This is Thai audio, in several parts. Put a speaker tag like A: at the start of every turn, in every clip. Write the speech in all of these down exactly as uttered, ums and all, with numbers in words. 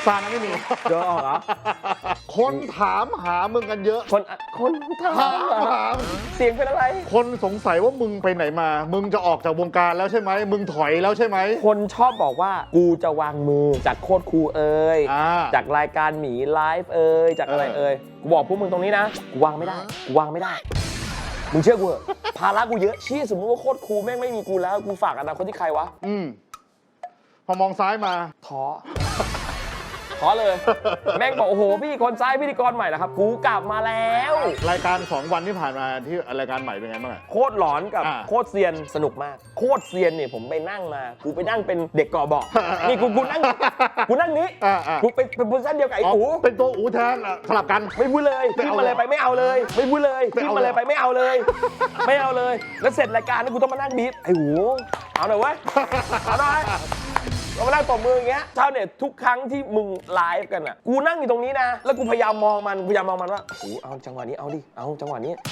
A: ซานะไม่มี
B: เจอออกเหรอ
A: คนถามหามึงกันเยอะ
B: คนคนถา
A: ถาม มหา
B: เสียงเป็นอะไร
A: คนสงสัยว่ามึงไปไหนมา มึงจะออกจากวงการแล้วใช่ไหมมึงถอยแล้วใช่ไหม
B: คนชอบบอกว่ากูจะวางมือจากโคตรครูเอ่ย
A: อ่า
B: จากรายการหมีไลฟ์เอ่ยจากอะไร
A: เออ
B: เอ่ยกูบอกพวกมึงตรงนี้นะกูวางไม่ได้กูวางไม่ได้มึงเชื่อกูเหอะภาระกูเยอะชี้สมมติว่าโคตรครูแม่งไม่มีกูแล้วกูฝากอนาคตที่ใครวะ
A: อืมพอมองซ้ายมา
B: ท้อ ท้อเลย แม่งบอกโอ้โหพี่คนซ้ายพิธีกรใหม่นะครับ กูกลับมาแล้ว
A: รายการสองวันที่ผ่านมาที่รายการใหม่เป็นไงบ้างอะ
B: โคตรหลอนกับ
A: อ่า
B: โคตรเซียนสนุกมาก โคตรเซียนเนี่ยผมไปนั่งมา กูไปนั่งเป็นเด็กก่อเบอก นี่กูกูนั่งกูนั่งนี้
A: อ่าอ่า
B: กูเป็นเป็นโพสิชั่นเดียวกับไอ้
A: อ๋อ
B: อู
A: เป็นตัวอูแทนอะสลับกัน
B: ไม่พูดเลย
A: ไม่
B: ขึ้น
A: เอา
B: มาเลยไปไม่เอาเลย ไม่พูดเลย
A: ไม่
B: ขึ้น
A: เอา
B: มาเลย
A: เลย
B: ไปไม่เอาเลย ไม่เอาเลย แล้วเสร็จรายการนี่กูต้องมานั่งบีบไอ้หูเอาหน่อยเว้ยเอาหน่อยเรามานั่งตบมืออย่างเงี้ยชาวเน็ตทุกครั้งที่มึงไลฟ์กันอ่ะกูนั่งอยู่ตรงนี้นะแล้วกูพยายามมองมันพยายามมองมันว่าโอ้เอาจังหวะนี้เอาดิเอาจังหวะนี้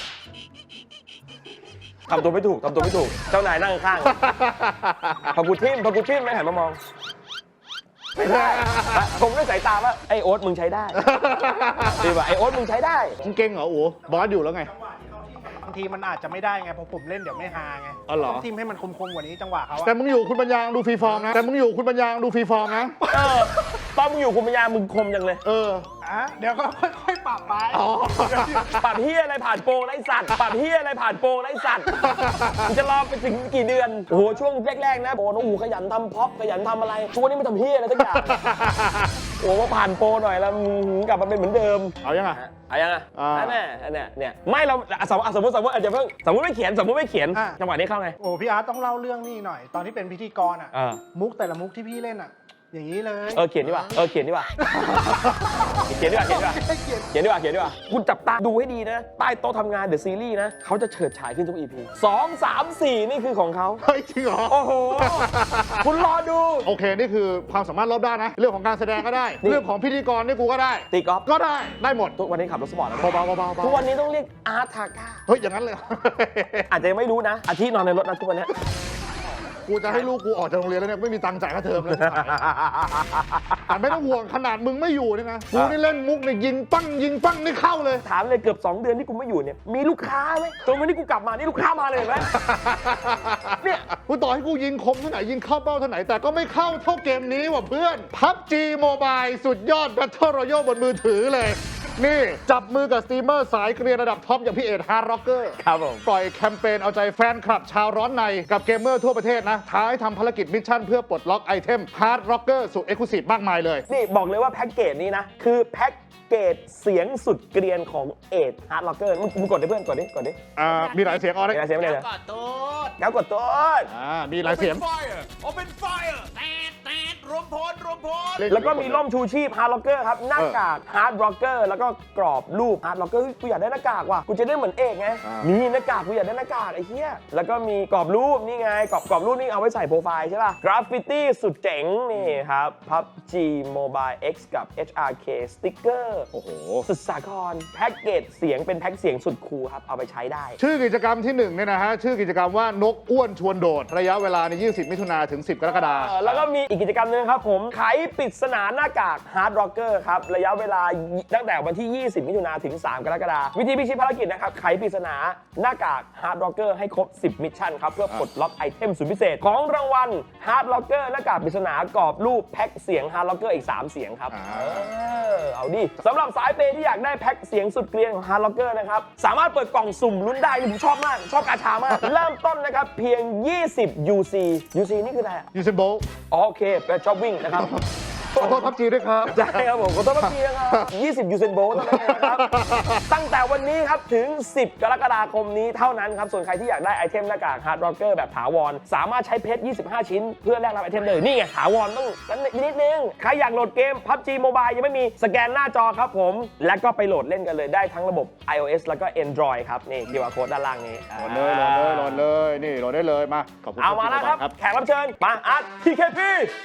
B: ทำตัวไม่ถูกทำตัวไม่ถูกเจ้านายนั่งข้างพอกูทิ่มพอกูทิ่มไม่หันมามองไม่ได้ผมด้วยสายตาว่าไอ้โอ๊ตมึงใช้ได้ดีป่ะไอ้โอ๊ตมึงใช้ได้
A: มึงเก่งเหรออูบอสอยู่แล้วไง
C: บางทีมันอาจจะไม่ได้ไงเพราะผมเล่นเดี๋ยวไม่ฮาไง
A: อ๋อเหรอ
C: ต้องทิมให้มันคมๆกว่านี้จังหวะเขาอะ
A: แต่มึงอยู่คุณปัญญาดูฟรีฟอร์มนะ แต่มึงอยู่คุณปัญญาดูฟรีฟอร์มนะ
B: เออตอนมึงอยู่คุณปัญญามึงคมจังเลย
A: เออ
C: อ่ะเดี๋ยวก็ค่อยๆปรับไป
A: อ๋อ
B: ปรับเฮียอะไรผ่านโปรไร้สัตว์ปรับเฮียอะไรผ่านโปรไร้สัตว์มึงจะรอไปถึงกี่เดือนโอ้โหช่วงแรกๆนะโปรน้องหูขยันทำพ็อปขยันทำอะไรช่วงนี้ไม่ทำเฮียอะไรสักอย่างโอ้โหพอผ่านโปรหน่อยแล้วมึงกลับมาเป็นเหมือนเดิม
A: เอายังไง
B: เอายังไง
A: อ่า
B: แน่ๆเนี่ยเนี่ยไม่เราอ่ะสมมติสมมติสมมติอาจจะเพิ่งสมมติไม่เขียนสมมติไม่เขียนจังหวะนี้เข้าไง
C: โอ้พี่อาร์ตต้องเล่าเรื่องนี้หน่อย ตอนที่เป็นพิธีกรอ่ะ
B: เออ
C: มุกแต่ละมุกที่พี่เล่นอ่ะ อย่างนี้เลย
B: เออเขียนดีกว่าเออเขียนดีกว่าเขียนดีกว่าเขียนดีกว่า
C: ให้เกียรติ
B: เขียนดีกว่าเขียนดีกว่าคุณจับตาดูให้ดีนะ ใต้โต๊ะทำงานเดอะซีรีส์นะเขาจะเฉิดฉายขึ้นทุก อี พี สอง สาม สี่ นี่คือของเขา
A: เฮ้ยจริงเหรอ
B: โอ้โห คุณรอดู
A: โอเค นี่คือความสามารถรอบด้านนะ เรื่องของการแสดงก็ได้
B: นี่
A: เรื่องของพิธีกรนี่กูก็ได้
B: ตีกอล์ฟ
A: ก็ได้ ได้หมด
B: ทุกวันนี้ขับรถสปอร์ตแล้วนะ
A: เบาๆเบาๆเบาๆ
B: ทุกวันนี้ต้องเรียกอาร์ตทาก้า
A: เฮ้ย อย่างนั้นเลย
B: อาจจะยังไม่รู้นะ อาทิตย์นอนในรถนะทุกวันนี้
A: กูจะให้ลูกกูออกจากโรงเรียนแล้วเนี่ยไม่มีตังค์จ่ายค่าเทอมเลย แต่ไม่ต้องห่วงขนาดมึงไม่อยู่เนี่ยนะ กูนี่เล่นมุกเนี่ยยิงปั้งยิงปั้งนี่เข้าเลย
B: ถามเลยเกือบ สอง เดือนที่กูไม่อยู่เนี่ย มีลูกค้าไหมจนวันนี้กูกลับมานี่ลูกค้ามาเลยเห็นไหม เนี่ย
A: กูต่อให้กูยิงคมเท่าไหนยิงเข้าเป้าเท่าไหนแต่ก็ไม่เข้าเท่าเกมนี้ว่ะเพื่อน พับจี Mobile สุดยอด Battle Royale บนมือถือเลย นี่ จับมือกับสตรีมเมอร์สายเกรียนระดับท็อปอย่างพี่เอ็ดฮาร์ดร็อกเกอร์
B: ครับผม
A: ปล่อยแคมเปญเอาใจแฟนคลับชาวร้อนในกับเกมเมอร์ทั่วประเทศนะ ท้าให้ทำภารกิจมิชชั่นเพื่อปลดล็อกไอเทมฮาร์ดร็อกเกอร์สุดเอ็กซ์คลูซีฟมากมายเลย
B: นี่บอกเลยว่าแพ็กเกจนี้นะ คือแพ็กเกจเสียงสุดเกรียนของเอ็ดฮาร์ดล็อกเกอร์มึงมึงกดดิเพื่อนกดดิกดดิ
A: อ่า มีหลายเสียงออ
B: ไม่
A: ได้
B: ได้เสียงไม่ได้เลย
D: ก่อนตูด
B: แล้วกดตัว
A: อ่า มีหลายเสียง
D: Fire Open Fire แตดแตดรวมพลรวมพล
B: แล้วก็มีร่มชูชีพฮาร์ดล็อกเกอร์ครับ หน้ากากฮาร์ดล็อกเกอร์แล้วก็กรอบรูปฮาร์ดล็อกเกอร์กูอยากได้หน้ากากว่ะกูจะได้เหมือนเอกไง
A: อ่า
B: มีหน้ากากกูอยากได้หน้ากากไอ้เหี้ยแล้วก็มีกรอบรูปนี่ไงกรอบกรอบรูปนี่เอาไว้ใส่โปรไฟล์ใช่ป่ะกราฟฟิตี้สุดเจ๋งนี่ครับ พับจี Mobile X กับ เอช อาร์ เค สติ๊กเกอร์
A: โอ้โห
B: สุดสาครแพ็กเกจเสียงเป็นแพ็กเสียงสุดคูลครับเอาไปใช้ได้
A: ชื่อกิจกรรมที่หนึ่งเนี่ยนะฮะ ชื่อกิจกรรมว่านกอ้วนชวนโดด ระยะเวลาในยี่สิบมิถุนาถึง สิบ กรกฎาค
B: เออ
A: ม
B: แล้วก็มีอีกกิจกรรมหนึงครับผมไขปริศนาหน้ากาก Hard Rocker ครับ ระยะเวลาตั้งแต่วันที่ ยี่สิบ มิถุนาถึง สาม กรกฎาคมวิธีพิชิตภารกิจนะครับ ไขปริศนาหน้ากาก Hard Rocker ให้ครบ สิบ มิชชั่นครับ เพื่อปลดล็อกไอเทมสุดพิเศษ ของรางวัล Hard Rocker หน้ากากปริศนากรอบรูปแพ็คเสียง Hard Rocker อีก สาม เสียงครับ
A: อ่า
B: เออเอาดิสำหรับสายเปย์ที่อยากได้แพ็คเสียงสุดเกรียนของ Hard Rocker นะครับสามารถเปิดกล่องสุ่มลุ้นได้นี่ผมชอบมากชอบกาชามากเริ่มต้นนะครับเพียง ยี่สิบ ยู ซี ยู ซี นี่คืออะไรอะ
A: ยูเซนโบลต์
B: อ๋อโอเคไปชอบวิ่งนะครับ
A: ขอโทษพับจีด้วยครับ
B: ใช่ครับผมขอโทษทีนะครับยี่สิบ ยูเซนโบลต์เท่านั้นเองนะครับ ตั้งแต่วันนี้ครับถึง สิบ กรกฎาคมนี้เท่านั้นครับ ส่วนใครที่อยากได้ไอเทมหน้ากาก Hard Rocker แบบถาวร สามารถใช้เพชร ยี่สิบห้า ชิ้น เพื่อแลกรับไอเทมเลย นี่ไง ถาวรต้องนั้นนิดนึง ใครอยากโหลดเกม พับจี Mobile ยังไม่มีสแกนหน้าจอครับผม และก็ไปโหลดเล่นกันเลยได้ทั้งระบบ iOS แล้วก็ Android ครับนี่ คิว อาร์ Code ด้านล่างนี้
A: โหลดเลยโหลดเลยโหลดเลย นี่โหลดได้เลย มา ขอบคุณ
B: เอามาแล้วครับ แขกรับเชิญ มาอาร์ต ที เค พี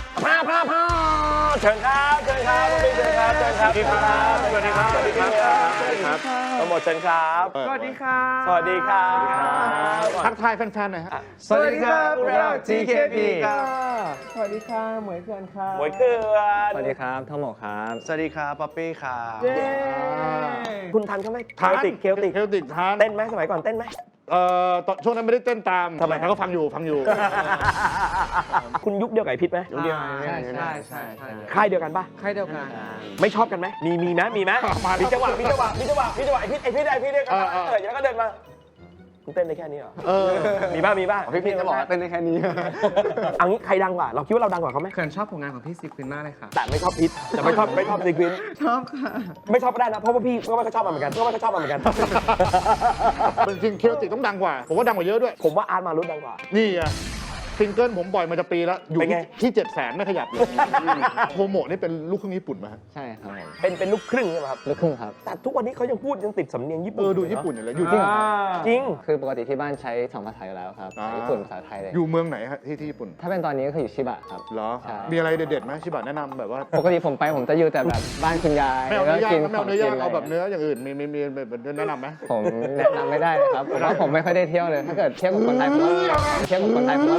B: พาพาพาเชิญครับเชิญครับเชิญครับเชิญครับสวัสดีครับสวัสดีครับสวัสดีครับทั้งหมดเชิญครับ
C: สวัสดีครับ
B: สวัสดีครับ
A: ทักทายแฟนๆหน่อยฮะ
B: สวัสดีครับพวกเรา ที เค พี
C: ครับ
B: สวัสดีค่ะหมวยเขื่อนครับหมวยเขื่อน
E: สวัสดีครับท่องหมอครับ
C: สวัสดีครับป๊อปปี้ครับ
B: เย้คุณทันเขาไหมเคลติกเคลติก
A: เคลติกทาน
B: เต้นไหมสมัยก่อนเต้นไหม
A: เอ่อตอนช่วงนั้นไม่ได้เต้นตาม
B: ทำไม
A: แต่ก็ฟังอยู่ฟังอยู่
B: คุณยุคเดียวกับไอ้พิษไหม
C: ยุคเดียว
E: ใช่ใช่ใช่ใช่
B: ค่ายเดียวกันปะ
E: ค่ายเดียวกัน
B: ไม่ชอบกันไหมมีมีไหมมีไหม
A: มาแล้ว
B: มีจังหวะมีจังหวะมีจังหวะมีจังหวะไอ้พิษไอ้พิษไอ้พิษเนี่ยก็
A: เออเออ
B: เออแล้วก็เดินมาคุณเต้นได้แค่นี้เหรอ
A: เออ
B: มีบ้างมีบ้าง
E: พี่พี่จะบอกว่าเต้นได้แค่นี้
B: เอางี้ใครดังกว่าเราคิดว่าเราดังกว่าเขาไหม
E: เขินชอบผลงานของพี่ซีควินมากเลยค่ะ
B: แต่ไม่ชอบพิษแต่ไม่ชอบไม่ชอบซีควิน
E: ชอบค่ะ
B: ไม่ชอบก็ได้นะเพราะว่าพี่ก็ไม่ค่อยชอบมันเหมือนกันก็ไม่ค่อยชอบมันเหมือนกัน
A: จริงๆเคลติกต้องดังกว่า ผมว่าดังกว่าเยอะด้วย
B: ผมว่าอาร์ตมารุดดังกว่า
A: นี่ไงซิงเกิลผมปล่อยมาจะปีแล้ว อยู่
B: เป็นไง
A: ที่ที่เจ็ดแสนไม่ขยับเลยโฮโมะนี่เป็นลูกครึ่งญี่ปุ่นมา
E: ใช่ครับผม
B: เป็นเป็นลูกครึ่งใช่ไหมครับ
E: ลูกครึ่งครับ
B: แต่ทุกวันนี้เขายังพูดยังติดสำเนียงญี่
A: เอ
B: ปุ่น
A: อดูญี่ปุ่นอยู่เลยอยู่ที่
B: จริง
E: คือปกติที่บ้านใช้สองภาษาอยู่แล้วครับ
A: อ่า
E: ญี่ปุ่นภาษาไทยเลย
A: อยู่เมืองไหนฮะที่ที่ญี่ปุ่น
E: ถ้าเป็นตอนนี้ก็คืออยู่ชิบะครับ
A: เหรอ
E: ใช่
A: มีอะไรเด็ดๆไหมชิบะแนะนำแบบว่า
E: ปกติผมไปผมจะอยู่แต่แบบบ้านคุณยาย
A: ไม่เอา
E: แล้ว
A: เนื้
E: ก็
A: อย่าง
E: กิน
A: ไม่
E: ขอ
A: เอา
E: ง
A: เนื้อ
E: กิ
A: ย่าง
E: นอะไร
A: เอาแบบเนื้ออย่างอื่นมีมีมีแบบแนะนำไหม
E: ผมแนะนำไม่ได้เลยครับผมว่าผมไม่ค่อยได้เที่ยวเลย ถ้าเกิดเที่ยวกับคนไทยผมว่าเที่ยวกับคนไทยผมว่า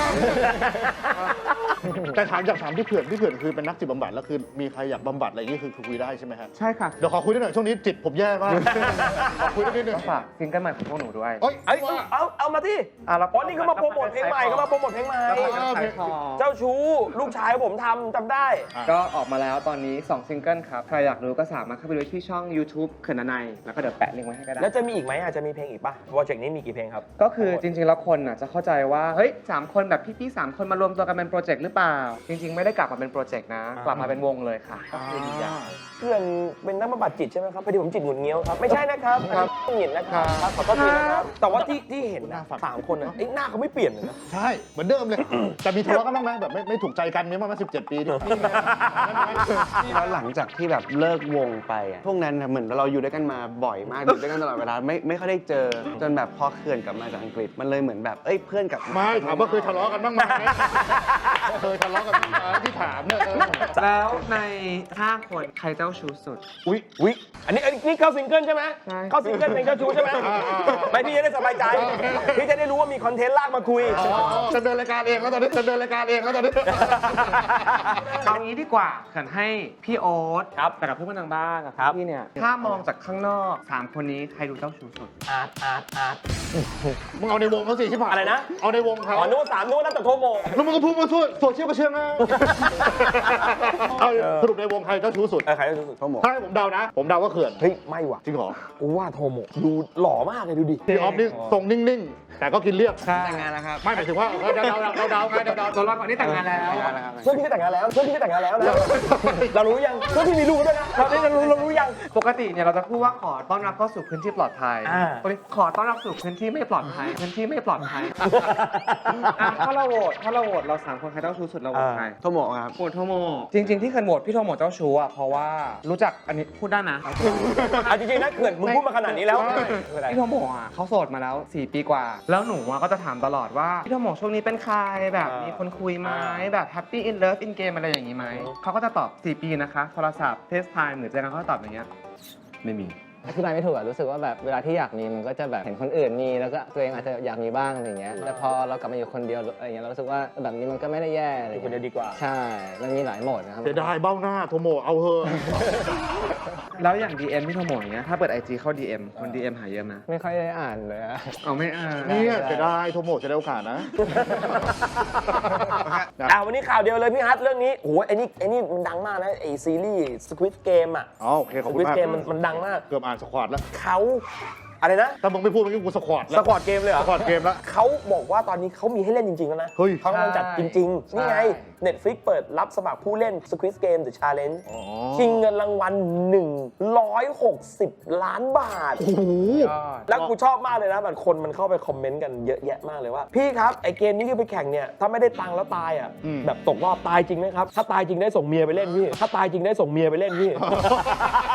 A: แต่ถามอยากถามพี่เขื่อนพี่เขื่อนคือเป็นนักจิตบำบัดแล้วคือมีใครอยากบำบัดอะไรอย่างงี้คือคือคุยได้ใช่ไหมฮะ
E: ใช่ค่ะ
A: เดี๋ยวขอคุยได้หน่อยช่วงนี้จิตผมแย่มาก ขอคุยได้นิดนึง
E: ฝากซิงเกิลใหม่ของพวกหนูด้วย
A: เอ้ย
B: เอ้ยเอาเอามาที่
E: อ่ะแล้ว
B: อ๋อนี่เขามาโปรโมทเพลงใหม่เขามาโปรโมทเพลงใหม่
E: ขายของ
B: เจ้าชู้ลูกชายผมทำจำได้
E: ก็ออกมาแล้วตอนนี้สองซิงเกิลครับ ใครอยากรู้ก็สามารถเข้าไปดูที่ช่อง YouTube เขินนัยแล้วก็เดี๋ยวแปะลิงก์ไว้ให้ก็ได้
B: แล้วจะมีอีกไหมอาจจะมีเพลงอีกป่ะโปรเจกต์นี้มีกี่เพลงครับ
E: ก็คือจริงๆ แล้วคนน่ะจะเข้าใจว่า เฮ้ยสามคนแบบพี่ๆสามคนมารวมตัวกันเป็นโปรเจกต์หรือเปล่า จริง ๆ ไม่ได้กลับมาเป็นโปรเจกต์นะ กลับมาเป็นวงเลยค่ะก็คือดีอย่าง
B: เพื่อนเป็นนักบำบัดจิตใช่ไหมครับพอดีผมจิตหงุดเงี้ยวครับไม่ใช่นะครับครับหงิดนะครับครับขอโทษทีนะครับแต่ว่าที่ที่เห็นนะสามคนน่ะไอ้หน้าเขาไม่เปลี่ยนเลยนะ
A: ใช่เหมือนเดิมเลย แต่มีทะเลาะกันบ้างไหมแบบไม่ไม่ถูกใจกันมีบ้างไหมสิบเจ็ดปีนี่
F: แล้วหลังจากที่แบบเลิกวงไปอะพวกนั้นน่ะเหมือนเราอยู่ด้วยกันมาบ่อยมาก อยู่ด้วยกันตลอดเวลาไม่ไม่ค่อยได้เจอ จนแบบพอเขื่อนกลับมาจากอังกฤษ มันเลยเหมือนแบบเอ้ยเพื่อนกลับมา
A: ไม่ถามว่าเคยทะเลาะกันบ้างไหมเคยทะเลาะกันบ้างไหมที่ถามเนี่ยเออ
E: แล้วในห้าคนใครเจ้าชู้สุด
A: อุ้ย
B: วิอันนี้อันนี้นี่เข้าซิงเกิลใช่ไหม
E: ใช่
B: เข้าซิงเกิลเพลงเจ้าชู้ใช่ไหม
A: อ่าอ่าอ่า
B: ไม่พี่จะได้สบายใจพี่จะได้รู้ว่ามีคอนเทนต์ลากมาคุย
A: จะเดินรายการเองแล้วตอนนี้จะเดินรายการเองแล้วตอนนี้
E: เอางี้ดีกว่าเขินให้พี่โอ๊ต
B: ครับ
E: แต่กับเพื่อนๆทางบ้านกับ
B: ครับ
E: พี่เนี่ย ถ้ามองจากข้างนอกสามคนนี้ใครดูเจ้าชู้สุด
B: อาร์ตอาร์ตอาร์ต
A: มึงเอาในวงเขาสิชิบหาย
B: อะไรนะ
A: เอาในวงเขา
B: อ๋อนึกว่าสามนึกว่านับจากโทโม
A: แล้วมึงก็พูดมาทั่วโซเชียลก็เชื่อง่ายเอาสรุปในวงใครเจ้าชู้สุด
B: เออใครเจ้าชู้สุด
F: เขาบอก
A: ถ้าให้ผมเดานะ ผมเดาว่าเขื่อน
B: เฮ้ยไม่ว่ะ
A: จริงเหรอ
B: กูว่าโทโมดูหล่อมากเลยดูดิ
A: พี่ออฟนี่ทรงนิ่งๆ แต่ก็กินเรียบ
E: แต่งงานแล้วครับ
A: ไม่หมายถึงว่าเออเดาเดาเดาเดาไงเดาเดา
E: ตัวรอดก่อนนี่แต่งงานแล้ว
B: เพื่อนพี่จะแต่งงานแล้วเพื่อนพี่จะแต่งงานแล้วนะเรารู้ยังเพื่อนพี่มีลูกด้วยนะเราได้เรารู้เรารู้ยัง
E: ปกติเนี่ยเราจะพูดว่าขอต้อนรับเข้าสู่พื้นที่ปลอดภัย
B: อ่า
E: วันนี้ขอต้อนรับสู่พื้นที่ไม่ปลอดภัย พื้นที่ไม่ปลอดภัยอ่ะถ้าเราโหวตถ้าเราโหวตเราสามคนใครเจ้าชู้สุดเราโหวตใคร
F: โทโมะครับ
E: โหวตโทโมจริง ๆ ที่เคยโหวตพี่โทโมเจ้าชู้อ่ะเพราะว่ารู้จักอันนี้พูดได้นะ
B: เอาจริงๆนะเขื่อนมึงพูดมาขนาดนี้แล้ว
E: พี่โทโมอ่ะเขาโสดมาแล้วสี่ปีกว่า แล้วหนูอ่ะก็จะถามตลอดว่าพี่โทโมช่วงนี้เป็นใครแบบ
B: อ่ามี
E: มีคนคุยไหม
B: อ่า
E: แบบ happy in love in game อะไรอย่างนี้ไหม
B: อืม
E: เขาก็จะตอบสี่ปีนะคะโทรศัพท์เฟซไทม์หรือเจอกันเขาก็ตอบอย่างเงี้ยไม่มี
G: อธิบายไม่ถูกอะรู้สึกว่าแบบเวลาที่อยากมีมันก็จะแบบเห็นคนอื่นมีแล้วก็ตัวเองอาจจะอยากมีบ้างอะไรอย่างเงี้ยแต่พอเรากลับมาอยู่คนเดียวอะไรอย่างเงี้ยเรารู้สึกว่าแบบนี้มันก็ไม่ได้แย่อะไร
B: อยู่คนเดียว
G: เงี้ย
B: ดีกว่า
G: ใช่ มันมีหลายโหมดนะครับ
A: เสียดายเบ้าหน้าโทโมเอาเถอะ
E: แล้วอย่าง ดี เอ็ม พี่โทโมอย่างเงี้ยถ้าเปิด ไอ จี เข้า ดี เอ็ม คน ดี เอ็ม หาเยอะไหม
G: ไม่ค่อยได้อ่านเลยอะ
E: เอาไม่อ่าน
A: เนี่ยเสียดายโทโมจะได้โอกาสนะ
B: อ่าวันนี้ข่าวเดียวเลยพี่ฮัทเรื่องนี้โอ้โหไอ้นี่ไอ้นี่มันดังมากนะไอ้ซีรีส์ Squid Game อ่ะ
A: อ๋อโอเคขอบคุณ
B: Squid
A: มาก
B: Game มันมันดังมาก
A: เกือบอ่านสควอตแล้ว
B: เขาอะไรนะ
A: ถ้ามึงไม่พูดเมื่อกี้กูสควอตแล้ว
B: สควอตเกมเลยเหร
A: ส
B: อ
A: ควอตเกมแล้ว
B: เขาบอกว่าตอนนี้เขามีให้เล่นจริงๆแล้วนะ
A: เฮ้ย
B: เขากำลังจัดจริงๆ นี่ไง Netflix เปิดรับสมัครผู้เล่น Squid Game The Challenge
A: อ๋อ
B: ชิงเงินรางวัลหนึ่งร้อยหกสิบล้านบาท
A: โอ้โห
B: แล้วกูชอบมากเลยนะแบบคนมันเข้าไปคอมเมนต์กันเยอะแยะมากเลยว่า พี่ครับ ไอเกมนี้ที่ไปแข่งเนี่ย ถ้าไม่ได้ตังค์แล้วตายอ่ะ
A: อืม
B: แบบตกรอบตายจริงไหมครับ ถ้าตายจริงได้ส่งเมียไปเล่นพี่ ถ้าตายจริงได้ส่งเมียไปเล่นพี่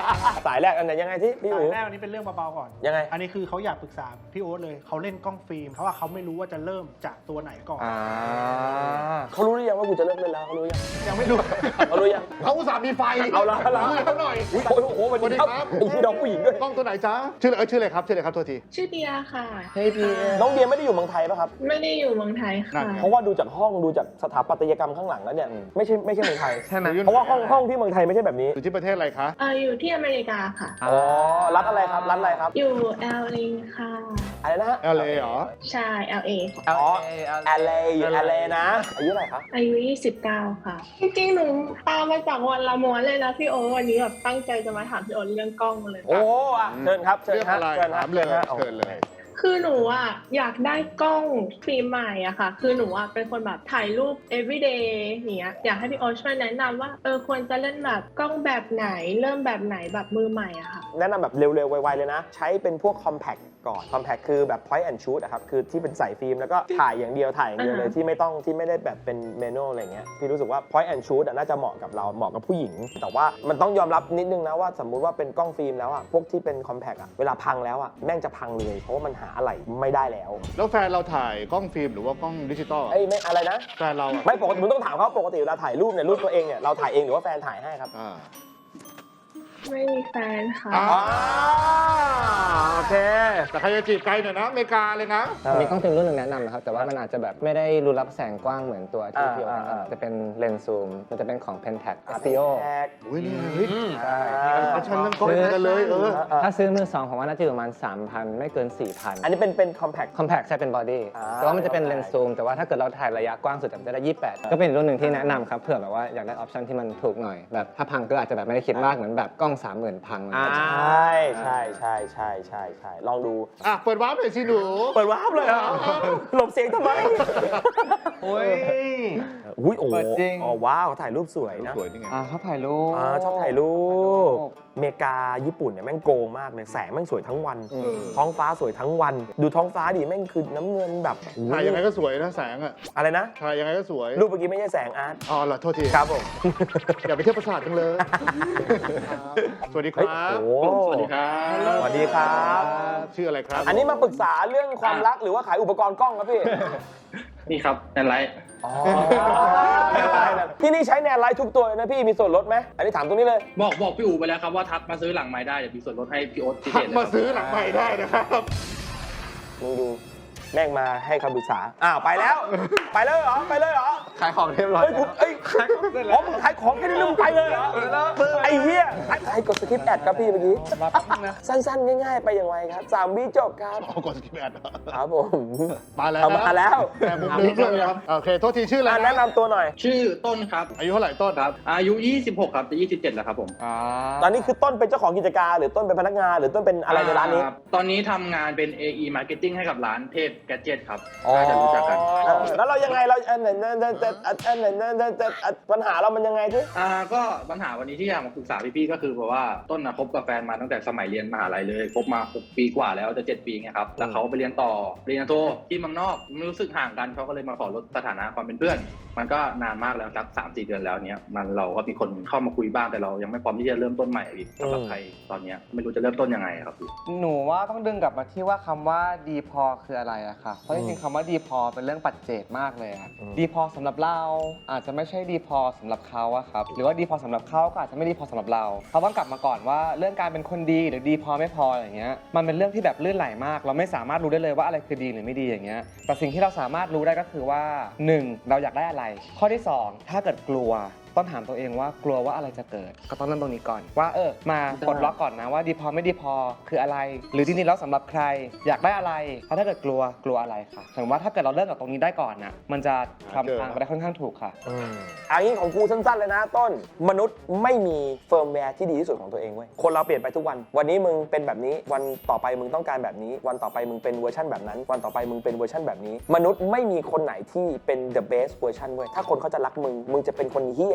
B: สายแรกอันไหนยังไงที่พี่
C: สา
B: อู๋
C: ยแรกอันนี้เป็นเรื่องเบาๆก่อน
B: ยังไง
C: อันนี้คือเขาอยากปรึกษาพี่โอ๊ตเลยเขาเล่นกล้องฟิล์มเพราะว่าเขาไม่รู้ว่าจะเริ่มจากตัวไหนก่อน
E: อ่า
B: เขารู้หรือยังว่ากูจะเลิกเล่นแล้วเขารู้ยัง
C: ยังไม่รู้
B: เขารู้ยัง
A: เขาอุตส่าห์มีไฟ
B: เอาละเอาละ
A: คุยเขาหน่อย
B: อุ๊ยโอ้โหสวัสดีครับไอ้ที่น้องผู้หญิงด้วย
A: กล้องตัวไหนจ๊ะชื่อเออชื่ออะไรครับชื่ออะไรครับโทษที
H: ชื่อเดียค่ะ
E: เฮ้ยพี่
B: น้องเดียไม่ได้อยู่เมืองไทยป่ะครับ
H: ไม่ได้อยู่เมืองไทย
A: นั่
H: ค่ะ
A: นไง
B: เพราะว่าดูจากห้องดูจากสถาปัตยกรรมข้างหลังแล้วเนี่ยไม่ใช่ไม่ใช่เมืองไทย
E: ใช่ไหม
B: เพราะว่าห้องห้องที่เมืองไทยไม่ใช่แบบนี้
A: อยู่ที่ประเทศอะไรคะ
H: เอออยู่ที่อเมริกาค่ะ
B: อ๋อรัฐอะไรครับรัฐอะไรครับ
H: อยู่ แอล เอ ค่ะ
B: อะไรนะฮะ
A: แอล เอ เหรอ
H: ใช่ แอล เอ ค่ะ
B: อ๋อ แอล เอ อยู่ แอล เอ นะอายุเท่าไหร่ครับ
H: อายุ ยี่สิบเก้า ค่ะ จริงๆ หนูตามมาจากวันละม้วนเลยนะพี่โอตวันนี้แบบตั้งใจจะมาถามพี่โอตเรื่องกล้องเลย
B: โอ้อ่ะเชิญครับเชิญ
A: เรื่อง
B: ฮะ
A: อะไร
B: เชิญฮะ
A: ถามเลย
B: ฮะ
A: เชิญเลย
H: คือหนูอ่ะอยากได้กล้องฟิล์มใหม่อะค่ะ คือหนูอ่ะเป็นคนแบบถ่ายรูป everyday อย่างเงี้ย อยากให้พี่โอตช่วยแนะนำว่าเออควรจะเล่นแบบกล้องแบบไหน เริ่มแบบไหนแบบมือใหม่อะค่ะ
B: แนะนำแบบเร็วๆ ไวๆ เลยนะ ใช้เป็นพวก compact ก่อน compact คือแบบ point and shoot อะครับ คือที่เป็นใส่ฟิล์มแล้วก็ถ่ายอย่างเดียวถ่ายอย่างเดียวเลย
H: อ่าฮะ
B: ที่ไม่ต้องที่ไม่ได้แบบเป็น manual อะไรเงี้ยพี่รู้สึกว่า point and shoot อะน่าจะเหมาะกับเราเหมาะกับผู้หญิง แต่ว่ามันต้องยอมรับนิดนึงนะว่าสมมุติว่าเป็นกล้องฟิล์มแล้วอะพวกที่เป็น compact อะเวลาพังแล้วอะแม่งจะพังเลยเพราะว่ามันหาอะไรไม่ได้แล้ว
A: แล้วแฟนเราถ่ายกล้องฟิล์มหรือว่ากล้องดิจิตอล
B: ไอ้ยไม่อะไรนะ
A: แฟนเราอะ
B: ไม่ปกติมึงต้องถามเขาปกติเวลาถ่ายรูปเนี่ยรูปตัวเองเนี่ยเราถ่ายเองหรือว่าแฟนถ่ายให้ครับ
A: อ่า
H: ไม่มีแฟนค่ะ
A: อ่า
B: อ่าโอเค
A: แต่ใครจะจีบไกลหน่อยนะอเมริกาเลยนะ
G: มีกล้องฟิล์มรุ่นหนึ่งแนะนำนะครับ แต่ว่ามันอาจจะแบบไม่ได้รูรับแสงกว้างเหมือนตัวที่
B: อ่า
G: พี่โอ
B: อ่า
G: แนะนำจะเป็นเลนส์ซูม มันจะเป็นของ Pentax
B: อา
G: s t i o
B: แท็ก
A: อุ้ยนี่ไงเฮ้ย
B: ใช่
A: เขาชันเรื่องกล้องกันเลยเออ
G: ถ้าซื้อมือสองผมว่าน่าจะอยู่ประมาณ สามพัน ไม่เกิน สี่พัน
B: อันนี้เป็นเป็น compact
G: Compact ใช่เป็นบอดี้
B: อ่า
G: แต่ว่ามันจะเป็นเลนส์ซูม แต่ว่าถ้าเกิดเราถ่ายระยะกว้างสุดมันจะได้ ยี่สิบแปด ก็เป็นรุ่นหนึ่งที่แนะนำครับเผื่อแบบว่าอยากได้ออปชันที่มันถูกหน่อย แบบถ้าพังก็อาจจะแบบไม่ได้คิดมากเหมือนแบบกล้อง สามหมื่น พังอะไรอย่างเงี้ย
B: ใช่ใช่ใช่ใช่ใช่ใช่ลองดู
A: อ่ะเปิดวาร์ปหน่อยสิหนู
B: เปิดวาร์ปเลยเหรอหลบเสียงทำไม
E: โอ้ย
B: อุ้ยโอ้
E: เปิดจริง
B: อ๋อว้าวถ่ายรูปสวยนะ
A: สวยนี่ไง
E: อ่าเขาถ่ายรูป
B: อ่าชอบถ่ายรูปอเมริกาญี่ปุ่นเนี่ยแม่งโกงมากเลยแสงแม่งสวยทั้งวัน ท้องฟ้าสวยทั้งวัน ดูท้องฟ้าดิแม่งคือน้ำเงินแบบ
A: ถ่ายยังไงก็สวยนะแสงอ่ะ
B: อะไรนะ
A: ถ่ายยังไงก็สวย
B: รูปเมื่อกี้ไม่ใช่แสงอาร์ต
A: อ๋อเหรอโทษที
B: ครับผม
A: อย่าไปเที่ยวประสาทจังเลย สวัสดีค
B: เฮ้ย
A: รับ
B: โอ้สวัสดีครับสวัสดีครับ
A: ชื่ออะไรครับ
B: อันนี้มาปรึกษาเรื่องความรักหรือว่าขายอุปกรณ์กล้องครับพี่
I: นี่ครับแอนไลท์
B: อ๋อที่นี่ใช้แนนไลท์ทุกตัวเลยนะพี่มีส่วนลดไหมอันนี้ถามตรงนี้เลย
I: บอกบอกพี่อูไปแล้วครับว่าทักมาซื้อหลังไม้ได้เดี๋ยวมีส่วนลดให้พี่โอ๊ตพิเศ
A: ทัก
I: ษเลย
A: มา
I: ครับ
A: ซื้อหลังใหม่ได้นะครับ
B: มึงดูแม่งมาให้คำปรึกษาอ้าวไปแล้ว ไปเลยเหรอไปเลยเหรอ
F: ขายของเรียบร้อย
B: เฮ้ยกูเอ้ยขายของเสร็จแล้วอ๋อมึงขายของแค่นี้แล้วมึงไปเลยเหรอไอ้เหี้ยไอ้กดสคริปต์แอดครับพี่เมื่อกี้สั้นๆง่ายๆไปอย่างไรครับสามวิจบครับ
A: เอากดสกิปแอด
B: ครับผม
A: มาแล้ว
B: เอามาแล้ว
A: แต่มุมนึงด้วยครับโอเค โทษทีชื่ออะไร
B: อ่ะแนะนำตัวหน่อย
I: ชื่อต้นครับ
A: อายุเท่าไหร่ต้น
I: ครับ อายุ ยี่สิบหก ครับจะยี่สิบเจ็ดแล้วครับผม
E: อ่า
B: ตอนนี้คือต้นเป็นเจ้าของกิจการหรือต้นเป็นพนักงานหรือต้นเป็นอะไรในร้านนี้
I: อ่ตอนนี้ทำงานเป็น เอ อี Marketing ให้กับร้านเทพแกดเจ็ตครับน่าจะรู้จักกัน
B: อ๋อแล้วเรายังไงเราอันไหนนั่นนั่นนั่นอันไหนนั่นนั่นปัญหาเรามันยังไงที่
I: อ่าก็ปัญหาวันนี้ที่อยากมาปรึกษาพี่ๆก็คือแบบว่าต้นนะคบกับแฟนมาตั้งแต่สมัยเรียนมหาลัยเลยคบมาหกปีกว่าแล้วจะเจ็ดปีไงครับแล้วเขาไปเรียนต่อปริญญาโทที่เมืองนอกไม่รู้สึกห่างกันเขาก็เลยมาขอลดสถานะความเป็นเพื่อน มันก็นานมากแล้วสักสามสี่เดือนแล้วเนี้ยมันเราก็มีคนเข้ามาคุยบ้างแต่เรายังไม่พร้อมที่จะเริ่มต้นใหม่อีกสำหรับใครตอนเนี้ยไม่รู้จะเริ่มต้นยังไงครับพี่
E: หนูว่าต้องดึงกลับมาที่ว่าคำว่าดีพอคืออะไรอะค่ะ เพราะจริงๆคำว่าดีพอเป็นเรื่องปัจเจกมากเลยอะดีพอสำหรับเราอาจจะไม่ใช่ดีพอสำหรับเขาอะครับหรือว่าดีพอสำหรับเขาก็อาจจะไม่ดีพอสำหรับเราเขาต้องกลับมาก่อนว่าเรื่องการเป็นคนดีหรือดีพอไม่พออย่างเงี้ยมันเป็นเรื่องที่แบบลื่นไหลมาก เราไม่สามารถรู้ได้เลยว่าอะไรคือดีหรือไม่ดีอย่างเงี้ยแต่สิ่งที่เราสามารถรู้ได้ก็คือว่าหนึ่งเราอยากได้อะไรข้อที่สองถ้าเกิดกลัวต้องถามตัวเองว่ากลัวว่าอะไรจะเกิดก็ต้องเริ่มตรงนี้ก่อนว่าเออมาปลดล็อกก่อนนะว่าดีพอไม่ดีพอคืออะไร หรือจริงๆแล้วสำหรับใครอยากได้อะไรเพราะถ้าเกิดกลัวกลัวอะไรค่ะถึงว่าถ้าเกิดเราเริ่มจากตรงนี้ได้ก่อนนะมันจะทำทางไปได้ค่อนข้างถูกค่ะ
B: อันนี้ของกูสั้นๆเลยนะต้นมนุษย์ไม่มีเฟิร์มแวร์ที่ดีที่สุดของตัวเองเว้ยคนเราเปลี่ยนไปทุกวันวันนี้มึงเป็นแบบนี้วันต่อไปมึงต้องการแบบนี้วันต่อไปมึงเป็นเวอร์ชันแบบนั้นวันต่อไปมึงเป็นเวอร์ชันแบบนี้มนุษย์ไม่มีคนไหนที่เป็น the best version เว้ยถ้าคนเขาจะรักมึงมึงจะเป็นคนเหี้ย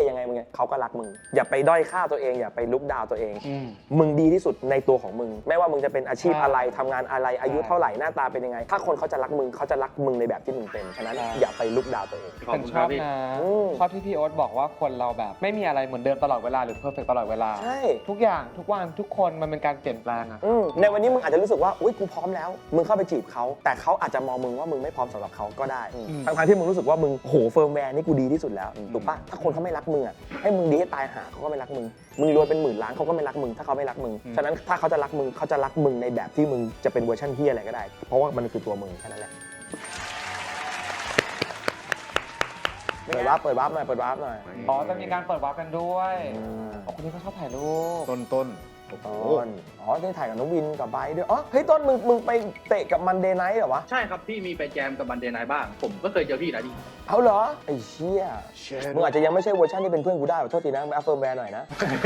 B: ยังไงมึงไงเขาก็รักมึงอย่าไปด้อยค่าตัวเองอย่าไปลุกดาวตัวเอง
E: อืม
B: มึงดีที่สุดในตัวของมึงไม่ว่ามึงจะเป็นอาชีพ
E: ใช่
B: อะไรทำงานอะไรอายุ
E: ใช่
B: เท่าไหร่หน้าตาเป็นยังไง ถ้าคนเขาจะรักมึงเขาจะรักมึงในแบบที่มึงเป็นฉะนั้น
E: ใช่
B: อย่าไปลุกดาวตัวเอง
F: ขอบ
E: เป็น
F: คุณ
E: ช
F: ครั
E: อ
F: บบ พี่
E: นะ
B: อืม
E: ชอบที่พี่โอ๊ตบอกว่าคนเราแบบไม่มีอะไรเหมือนเดิมตลอดเวลาหรือเพอร์เฟกตลอดเวลา
B: ใช่
E: ทุกอย่างทุกวันทุกคนมันเป็นการเปลี่ยนแปลงอะ
B: อืมในวันนี้มึงอาจจะรู้สึกว่าอุ้ยกูพร้อมแล้ว มึงเข้าไปจีบเขาแต่เขาอาจจะมองมึงว่ามึงไม่พร้อมสำหรับเขาก็ได้ทั้งๆที่มึงรู้สึกว่ามึงโหเฟิร์มแวร์นี่กูดีที่สุดแล้วถูกปะถ้าคนเขาไม่รักมึงอ่ะให้มึงดีให้ตายหาเขาก็ไม่รักมึงมึงรวยเป็นหมื่นล้านเขาก็ไม่รักมึงถ้าเขาไม่รักมึงฉะนั้นถ้าเขาจะรักมึงเขาจะรักมึงในแบบที่มึงจะเป็นเวอร์ชันเฮียอะไรก็ได้เพราะว่ามันคือตัวมึงแค่นั้นแหละเปิดวาร์ปเปิดวาร์ปหน่อยเปิดวาร์ปหน่อย
E: อ๋อจะมีการเปิดวาร์ปกันด้วยอ๋อคนนี้ก็ชอบถ่ายรูป
A: ต้นต้นโอ้โห
B: ต้นอ๋อได้ถ่ายกับน้องวินกับไบร์ทด้วยอ๋อเฮ้ยต้นมึงมึงไปเตะกับมันเดย์ไนท์เหรอวะ
I: ใช่ครับพี่มีไปแจมกับบันเดย์ไนท์บ้าง ผมก็เคยเจอพี่นะดิ
B: เอาเหรอไอ้เชี่ยมึงอาจจะยังไม่ใช่เวอร์ชันที่เป็นเพื่อนกูได้ขอโทษทีนะมาเฟิร์มแวร์หน่อยนะ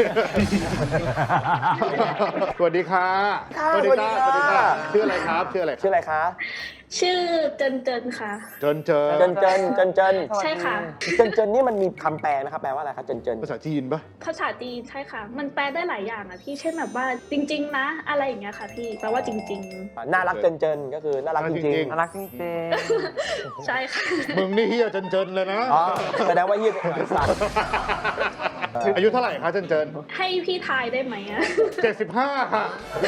A: สวัสดีค่ะ
B: ค่ะ
A: สวัสดี
B: สวัสดี
A: ค่ะ
B: ค่ะ
A: ชื่ออะไรครับชื่ออะไร
B: ชื่ออะไรคะ
H: ชื่อเจินเจินค่ะ
A: เจินเจิ
B: เจ
A: น
B: นเจนเจนเจน
H: ใช่ค่ะ
B: เจนเจนนี่มันมีคำแปลนะครับแปลว่าอะไรครับเจนเจน
A: ภาษาจีนปะ
H: ภาษาจีนใช่ค่ะ มันแปลได้หลายอย่างอะพี่เช่นแบบว่าจริง ๆ นะ อะไรอย่างเงี้ยค่ะพี่แปลว่าจริง
B: น่ารักเจนเจนก็คือน่ารักจริง
E: น่ารักจริง
H: ๆ ใช่ค่ะ
A: มึงนี่เฮียเจินเจินเลยนะ
B: ๆอ๋อแสดงว่ายืดหางสัตว์
A: อายุเท่าไหร่คะเจินเจิน
H: ให้พี่ทายได้ไหมอะ
A: เจ็ดสิบห้าค่ะ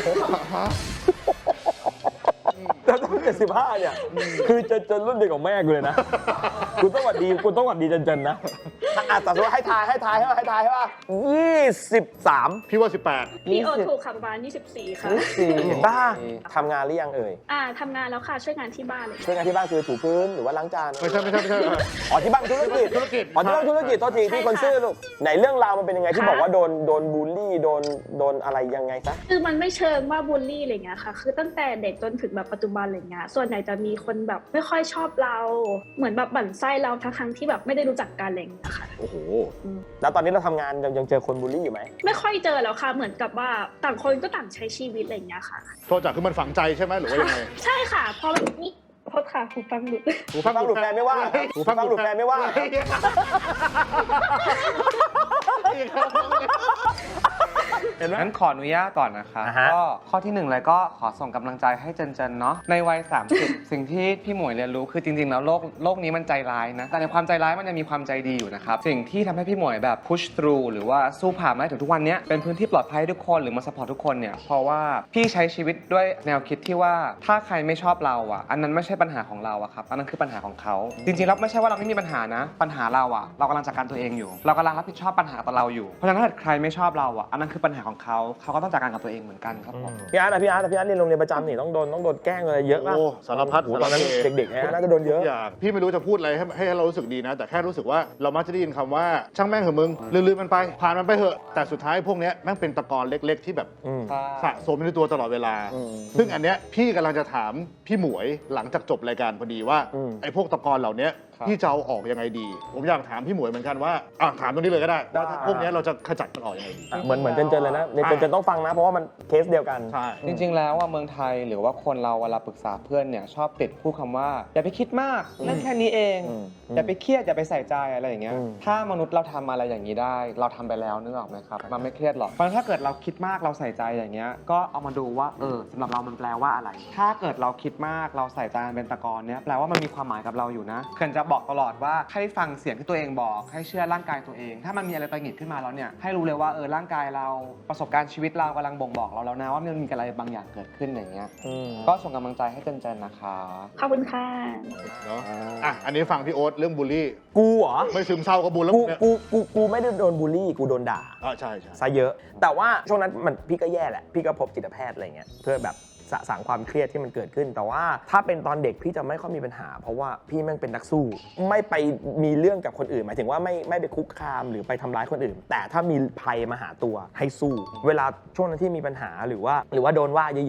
B: แล้วตั้งแต่สิบห้าเนี่ยคือเจนเจนรุ่นเด็กของแม่กูเลยนะกูต้องหวัดดีกูต้องหวัดดีเจนเจนนะอ่ะแต่สมมติให้ทายให้ทายให้ให้ทายให้ว่ายี่สิบสาม
A: พี่ว่าสิบแปด
H: พี่โอถูกค่ะประมาณยี่สิบสี่ค่ะ
B: สี่บ้าทำงานหรือยังเอ่ย
H: อ่าทำงานแล้วค่ะช่วยงานที่บ้านเลย
B: ช่วยงานที่บ้านคือถูพื้นหรือว่าล้างจาน
A: ไม่ใช่ไม่ใช่ไม่ใช่
B: อ๋อที่บ้านธุรกิจ
A: ธุรกิจ
B: อ๋อที่บ้านธุรกิจโทษทีที่คนซื่อลูกไหนเรื่องราวมันเป็นยังไงที่บอกว่าโดนโดนบูลลี่โดนโดนอะไรยังไงซะ
H: คือมันไม่เชิงว่าบูลลี่อะไรเงี้ยค่ะ คือตั้งแต่เด็กจนถึงแบบปัจจุบันอะไรเงี้ยส่วนใหญ่จะมีคนแบบไม่ค่อยชอบเราเหมือนแบบบั่นไส้เราทั้งๆที่แบบไม่ได้รู้จักกันอะไรเงี้ยค่ะ
A: โอ้โห
B: แล้วตอนนี้เราทำงานยังยังเจอคนบูลลี่อยู่ไหม
H: ไม่ค่อยเจอแล้วค่ะเหมือนกับว่าต่างคนก็ต่างใช้ชีวิตอะไรเงี้ยค่ะ
A: โทษจากคือมันฝังใจใช่ไหมหรือว่ายังไง
H: ใช่ค่ะเพราะนี่โทษค่ะหูฟังหลุด
A: หู
B: ฟังหลุดแปลไม่ว่า
A: หู
B: ฟังหลุดแปลไม่ว่า
E: เห็นไหมงั้นขออนุญาตก่อนนะคะ
B: อ่าฮะ
E: ก็ข้อที่หนึ่งเลยก็ขอส่งกำลังใจให้เจนเจนเนาะในวัย สามสิบ สิ่งที่พี่หมวยเรียนรู้คือจริงๆแล้วโลกโลกนี้มันใจร้ายนะแต่ในความใจร้ายมันยังมีความใจดีอยู่นะครับสิ่งที่ทำให้พี่หมวยแบบ push through หรือว่าสู้ผ่านมาได้ถึงทุกวันนี้เป็นพื้นที่ปลอดภัยให้ทุกคนหรือมา support ทุกคนเนี่ยเพราะว่าพี่ใช้ชีวิตด้วยแนวคิดที่ว่าถ้าใครไม่ชอบเราอ่ะอันนั้นไม่ใช่ปัญหาของเราอะครับอันนั้นคือปัญหาของเขาจริงๆแล้วไม่ใช่ว่าเราไม่มีปัญหานะปัญหาเราอ่ะเรากำลังจัดการตัวเองอยู่ เรากำลังรับผิดชอบปัญหาต่อเราอยู่เพราะฉะนั้นถ้าเกิดใครไม่ชอบเราอ่ะอันนั้นคือปัญหาของเขาเขาก็ต้องจัดการกับตัวเองเหมือนกันครับผม
B: พี่อาร์ตอะพี่อาร์ตอะพี่อาร์ตเรียนโรงเรียนประจำนี่ต้องโดนต้องโดนแกล้งอะไรเยอะมาก
A: โอ้สารพัด
B: โอ้โหตอนนั้น
A: สารเพ
B: เด็กๆนะน่าจะโดนเยอะ
A: ทุกอย่างพี่ไม่รู้จะพูดอะไรให้ให้เรารู้สึกดีนะ แต่แค่รู้สึกว่าเรามักจะได้ยินคำว่าช่างแม่งเหอะมึงลืมๆมันไป ผ่านมันไปเหอะแต่สุดท้ายพวกเนี้ยแม่งเป็นตะกอนเล็ก ๆ ที่แบบ
B: อืม
A: สะสมอยู่ในตัวตลอดเวลา
B: อืม
A: ซึ่งอันเนี้ยพี่กำลังจะถามพี่หมวยหลังจากจบรายการพอดีว่า
B: อืม
A: ไอ้พวกตะกอนเหล่าเนี้ย
E: ครับ
A: พี่จะเอาออกยังไงดี ผมอยากถามพี่หมวยเหมือนกันว่าอ่ะถามตรงนี้เลยก็ได้ว่า
B: ได้
A: พวกเนี้ยเราจะขจัดมันออกยังไงดี
B: เหมือนเหมือนเจนเจนเลยนะเนี่ยเจนเจนต้องฟังนะเพราะว่ามันเคสเดียวกัน
A: ใช่
E: จริงๆ แล้วว่าเมืองไทยหรือว่าคนเราเวลาปรึกษาเพื่อนเนี่ยชอบติดพูดคำว่าอย่าไปคิดมากเรื่องแค่นี้เอง
B: อืม
E: อย่าไปเครียดอย่าไปใส่ใจอะไรอย่างเงี้ย
B: อืม
E: ถ้ามนุษย์เราทำอะไรอย่างนี้ได้ เราทำไปแล้วนึกออกไหมครับมันไม่เครียดหรอกเพราะฉะนั้นถ้าเกิดเราคิดมากเราใส่ใจอย่างเงี้ยก็เอามาดูว่าเออสำหรับเรามันแปลว่าอะไร ถ้าเกิดเราคิดมากเราใส่ใจเป็นตะกอนเนี้ยแปลว่ามันมีความหมายกับเราอยู่นะเขื่อนจะบอกตลอดว่าให้ฟังเสียงที่ตัวเองบอกให้เชื่อร่างกายตัวเอง ถ้ามันมีอะไรตังหงิดขึ้นมาแล้วเนี่ยให้รู้เลยว่าเออร่างกายเราประสบการณ์ชีวิตเรากำลังบ่งบอกเราแล้วนะว่ามันมีอะไรบางอย่างเกิดขึ้นอย่างเงี้ย
B: อืม
E: ก็ส่งกำลังใจให้เจนเจนนะคะ
H: ขอบคุณค่ะ
A: เนาะอ่ะอันนี้ฟังพี่โอ๊ตเรื่องบูลลี่
B: กูเหรอ
A: ไม่ซึมเศร้าก็บูลแล้ว
B: กู
A: เนี่ย
B: กูกูกูไม่ได้โดนบูลลี่กูโดนด่า
A: อ่าใช่ใช่
B: ซะเยอะ แต่ว่าช่วงนั้นมันพี่ก็แย่แหละ พี่ก็พบจิตแพทย์อะไรเงี้ยเพื่อแบบสะสางความเครียดที่มันเกิดขึ้น แต่ว่าถ้าเป็นตอนเด็กพี่จะไม่ค่อยมีปัญหา เพราะว่าพี่แม่งเป็นนักสู้ ไม่ไปมีเรื่องกับคนอื่นหมายถึงว่าไม่ไม่ไปคุกคามหรือไปทำร้ายคนอื่น แต่ถ้ามีภัยมาหาตัวให้สู้ เวลาช่วงนั้นที่มีปัญหาหรือว่า หรือว่าโดนว่าเยอะๆอะ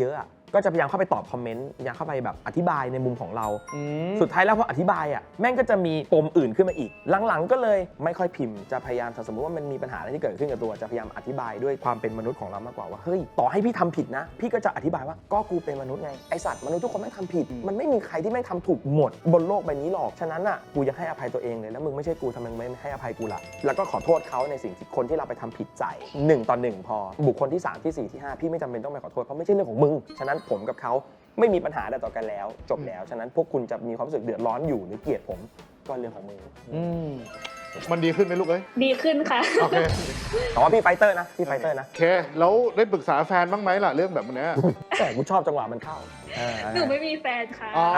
B: ก็จะพยายามเข้าไปตอบคอมเมนต์พยายามเข้าไปแบบอธิบายในมุมของเรา สุดท้ายแล้วพออธิบายอ่ะแม่งก็จะมีปมอื่นขึ้นมาอีก หลังๆก็เลยไม่ค่อยพิมพ์จะพยายามถ้าสมมติว่ามันมีปัญหาอะไรที่เกิดขึ้นกับตัวจะพยายามอธิบายด้วยความเป็นมนุษย์ของเรามากกว่าว่าเฮ้ยต่อให้พี่ทำผิดนะพี่ก็จะอธิบายว่าก็กูเป็นมนุษย์ไงไอสัตว์มนุษย์ทุกคนแม่งทำผิดมันไม่มีใครที่แม่งทำถูกหมดบนโลกใบนี้หรอกฉะนั้นอ่ะกูยังให้อภัยตัวเองเลยแล้วมึงไม่ใช่กูทำไมไม่ให้อภัยกูล่ะแล้วก็ขอโทษเขาในสิ่งที่คนที่เราไปทำผิดใจหนึ่งต่อหนึ่งพอบุคคลที่สามที่สี่ที่ห้าพี่ไม่จำเป็นต้องไปขอโทษเพราะไม่ใช่เรื่องของมึงฉะนั้นผมกับเขาไม่มีปัญหาใดต่อกันแล้วจบแล้วฉะนั้นพวกคุณจะมีความรู้สึกเดือดร้อนอยู่หรือเกลียดผมก็เรื่องของมึง
A: มันดีขึ้นไหมลูกเอ้ย
H: ดีขึ้นค่ะ
A: โอเค
B: แต่ว่าพี่ไฟเตอร์นะพี่ไฟเตอร์นะ
A: โอเคแล้วได้ปรึกษาแฟนบ้างไหมล่ะเรื่องแบบเนี้ย
B: แต่กูชอบจังหวะมันเข้า
H: หนูไม่มีแฟนค่ะ
A: อ๋อ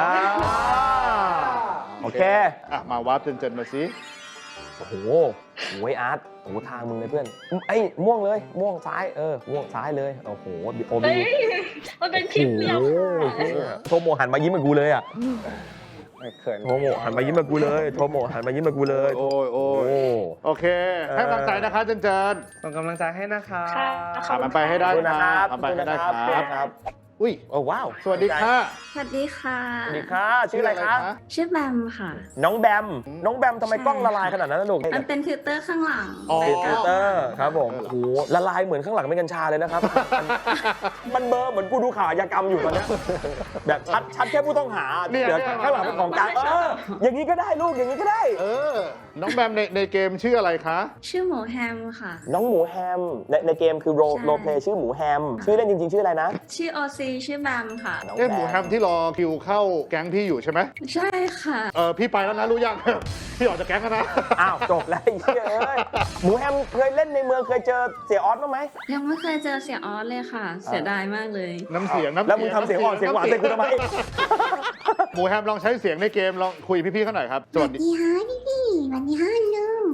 B: โอเค
A: อ่ะมาวาร์ปเจนเจนมาสิ
B: โอ้โหโอ้ยอาร์ตโอ้โหทางมึงเลยเพื่อนไอ้ยม่วงเลยม่วงซ้ายเออม่วงซ้ายเลยโอ้โหโอ
H: เฮ้
B: บี
H: ย มันเป็นคลิปเดียวค่ะ
B: โทโมหันมายิ้มกับกูเลยอ่ะ
G: เขิน
B: โทโมหันมายิ้มกับกูเลยโทโมหันมายิ้มกับกูเลย
A: โอ้ยโอ้
B: โอ้
A: ยโอเค ให้กำลังใจนะคะเจนเจน
E: ส่งกำลังใจให้นะคะ
H: ค่ะ
A: ขอมันไปให้ได้
B: ขอบคุณนะครับ
A: ทำไปให้ได้
B: ขอบคุณนะครับ
A: ครับ อุ้ย
B: โอ้ว้าว
A: สวัสดีค่ะ
J: สวัสดีค่ะ
B: สวัสดีค่ะชื่ออะไรคะ
J: ชื่อแบมค่ะ
B: น้องแบมน้องแบมทำไมกล้องละลายขนาดนั้นนะลูก
J: มันเป็นฟิลเตอร์ข้างหลัง
A: อ๋อ
B: ฟิลเตอร์ครับผมโอ้โหละลายเหมือนข้างหลังเป็นกัญชาเลยนะครับ มันเบลอเหมือนกูดูข่าวอาชญากรรมอยู่ตอนเนี้ยแบบชัดชัดแค่ผู้ต้องหา
A: เนี่ย
B: เดี๋ยว
A: เนี่ย
B: ข้างหลังเป็นของกลางเอออย่างนี้ก็ได้ลูกอย่างนี้ก็ได้
A: เออ น้องแบมในในเกมชื่ออะไรคะ
J: ชื่อหมูแฮมค่ะ
B: น้องหมูแฮมในในเกมคือโร
J: ใช่
B: โรเพลย์ชื่อหมูแฮมชื่อเล่นจริงๆ ชื่ออะไรนะ
J: ชื่อโอซีชื่อแบมค่ะ
B: น้อง
A: เอ๊ะหมูแฮมที่รอคิวเข้าแก๊งพี่อยู่ใช่ไหม
J: ใช่ค่ะ
A: เออพี่ไปแล้วนะรู้ยัง พี่ออกจากแก๊งแล้วนะ
B: อ้าวจบแล้วไอ้เหี้ยเอ้ยหมูแฮมเคยเล่นในเมืองเคยเจอเสียออสบ้างไหม
J: ยังไม่เคยเจอเสียออสเลยค่ะ เสียดายมากเลย
A: น้ำเสียงน้ำ
B: แล้วมึงทำเสียงอ่อนเสียงหวานใส่กูทำไม
A: หมูแฮมลองใช้เสียงในเกมลองคุยพี่ๆเขาหน่อยครับสวัสดี
J: ดีฮะพี่พี่วันนี้ห้านุ่ม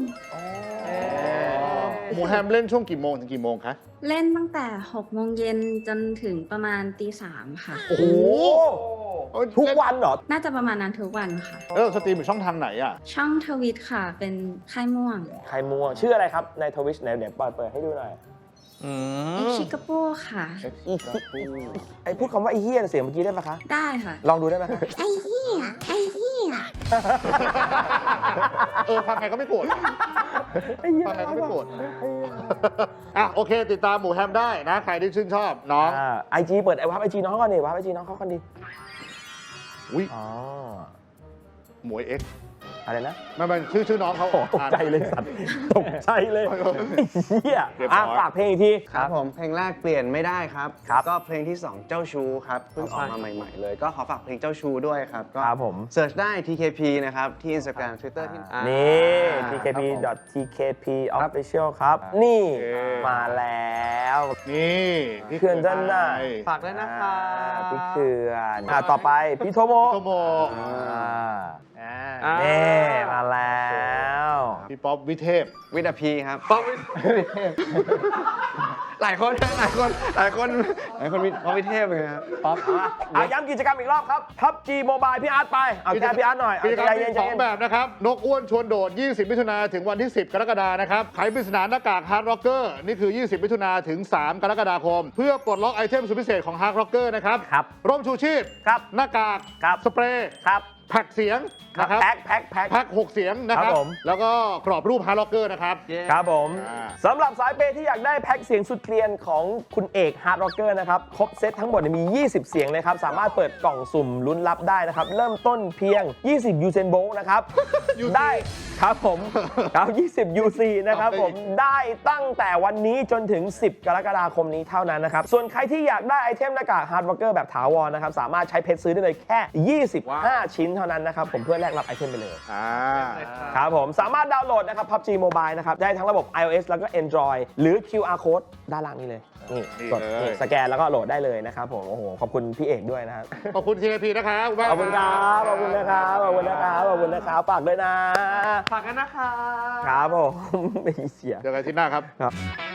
A: หมูแฮมเล่นช่วงกี่โมงถึงกี่โมงคะ
J: เล่นตั้งแต่หกโมงเย็นจนถึงประมาณตีสามค่ะ
B: โอ้โหทุกวันเหรอ
J: น่าจะประมาณนั้นทุกวันค่ะ
A: เออสตรีมอยู่ช่องทางไหนอ่ะ
J: ช่องทวิตค่ะ เป็นค่ายม่วง
B: ใครมัวชื่ออะไรครับในทวิชไหนเดี๋ยวเปิดเปิดให้ดูหน่อย
J: เอ็กชิกาโป้ค่ะ
B: ไอ้พูดคำว่าไอ้เฮียเสียงเมื่อกี้ได้ปะคะ
J: ได้ค่ะ
B: ลองดูได้ไหมคะ
J: ไอ้เหี้ยไอ้เหี้ย
A: เออฟังใครก็ไม่โกรธฟังใครก็ไม่โกรธอ่ะโอเค ติดตามหมูแฮมได้นะ ใครที่ชื่นชอบน้อง
B: ไอจีเปิดไอวับไอจีน้องก่อนดิวับไอจีน้องเขาก่อนดิ
A: อุ้ย
B: อ๋อ
A: หมวยเอ็กซ์
B: อะไรนะ
A: ไม่ไม่ชื่อชื่อน้องเขา
B: โอ้ตกใจเลยสัตว์ตกใจเลยไอ้เฮีย
A: เรียบร้
B: อ่ะ
A: อย
B: ฝากเพลงอีกที
F: ครับผมเพลงแรกเปลี่ยนไม่ได้ครับ
B: ครับ
F: ก็เพลงที่สองเจ้าชู้ครับเพิ่งออกมาใหม่ๆเลย ก็ขอฝากเพลงเจ้าชู้ด้วยครับก็
B: ครับผม
F: เสิร์ชได้ ที เค พี นะครับที่ Instagram Twitter ที่
B: นี่
F: อ่า
B: ที เค พี ดอท ที เค พี Official ครับ นี่
A: โอเค
B: มาแล้ว
A: นี่พี่
B: เขื่อนจันทร์น่ะ
E: ฝากด้วยนะคะ
B: อ่าพี่เขื่อนอ่ะต่อไปพี่โทโม
A: โตโม
B: อ่า
E: อ่า
B: นี่มาแล้ว
A: พี่ป๊อปวิเทพ
F: วิดาพีครับ
E: ป๊อปวิเทพ
F: หลายคนหลายคนหลายคนหลายคนมีป๊อปวิเทพเลยครับ
E: ป๊อป
B: อ่ะย้ำกิจกรรมอีกรอบครับ พับจี Mobile พี่อาร์ตไป เอาแค่พี่อาร์ตหน่อย
A: กิจกรรม
B: ใจ
A: มี
B: เย็น
A: สองแบบนะครับ นกอ้วนชวนโดด ยี่สิบ มิถุนาถึงวันที่ สิบ กรกฎานะครับไขปริศนาหน้ากาก Hard Rocker นี่คือ ยี่สิบ มิถุนาถึง สาม กรกฎาคม เพื่อปลดล็อกไอเทมสุดพิเศษของ Hard Rocker นะครับ
B: ครับ
A: ร่มชูชีพ
B: ครับ
A: หน้ากาก
B: ครับ
A: สเปรย์
B: ครับ
A: แพ็กเสียง
B: ครับ
A: นะครับ
B: แพ็คแพ็คแพ็ค
A: แพ็กหกเสียงนะครับ
B: ครับผม
A: แล้วก็กรอบรูป Hard Rocker นะครับ
B: ครับผม
A: อ่า
B: สำหรับสายเปย์ที่อยากได้แพ็คเสียงสุดเกรียนของคุณเอกฮาร์ดร็อกเกอร์นะครับ ครบเซตทั้งหมดเนี่ยมี ยี่สิบ เสียงเลยครับ สามารถเปิดกล่องสุ่มลุ้นรับได้นะครับ เริ่มต้นเพียง ยี่สิบ ยูเซนโบลนะครับ ได้ครับผมครับยี่สิบ ยู ซี นะครับผมได้ตั้งแต่วันนี้จนถึง สิบ กรกฎาคมนี้เท่านั้นนะครับ ส่วนใครที่อยากได้ไอเทมหน้ากากฮาร์ดร็อกเกอร์แบบถาวรนะครับสามารถใช้เพชรซื้อได้เลยแค่ ยี่สิบห้า ชิ้นเท่านั้นนะครับผมเพื่อแลกรับไอเทมไปเลย
A: อ่า
B: ครับผมสามารถดาวน์โหลดนะครับ พับจี Mobile นะครับได้ทั้งระบบ iOS แล้วก็ Android หรือ คิว อาร์ Code ด้านล่างนี้เลยนี่
A: นี่
B: กด
A: เลย
B: นี่สแกนแล้วก็โหลดได้เลยนะครับผมโอ้โหขอบคุณพี่เอกด้วยนะครับ
A: ขอบคุณ ที เค พี นะครับ
B: ขอบคุณครับขอบคุณนะครับขอบคุณนะครับขอบคุณนะครับฝากด้วยนะ
E: ฝากกันนะคะ
B: ครับผม ไม่เสีย
A: เจอกันที่หน้าครับ
B: ครับ